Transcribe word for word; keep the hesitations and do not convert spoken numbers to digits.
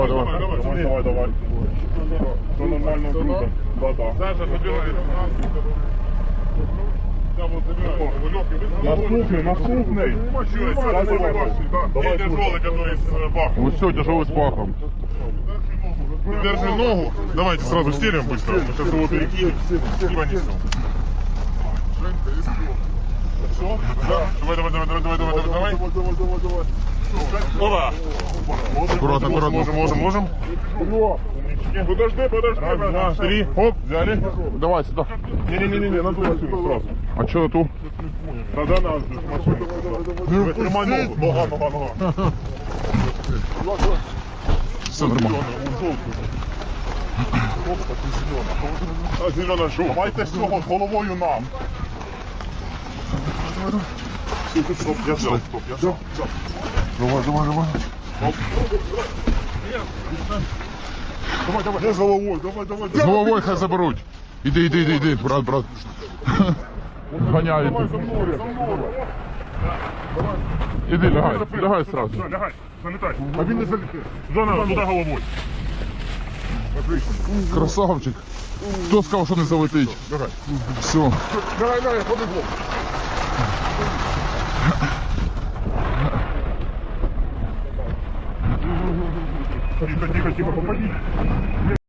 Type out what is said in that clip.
Давай, давай, давай, давай, давай. Все нормально, круто. Да, да. Саша, забирай. Наступний, наступний. И тяжелый, который с бахом. Вот все, тяжелый с пахом. Держи ногу. Давайте сразу стелим быстро. Мы сейчас его перекинем и понесем. Все? Да. Давай, давай, давай, давай, давай, давай, давай. Давай, давай, давай. Опа. Аккуратно, аккуратно. Можем, можем, можем. Подожди, подожди. Раз, два, три. Оп, взяли. Давай сюда. Не-не-не, на ту машину сразу. А что на ту? Тогда на машину. Тримай ногу. Нога, нога, нога. Все нормально. А зелена що? Давайте з цього, з головою нам. Стоп, я взял, стоп, я взял. Давай, давай, давай. Давай, давай. Я с головой, давай, давай. З головою хай заберуть. Іди, іди, іди, іди, брат, брат. Ганяй. Давай за мною, за мною. Іди, лягай, лягай сразу. Все, лягай, залітай. А він не залітає. Зона, туди головою. Отлично. Красавчик. Хто сказав, що не залетить? Лягай. Все. Лягай, лягай, побігло. Тихо, тихо, тихо, попади.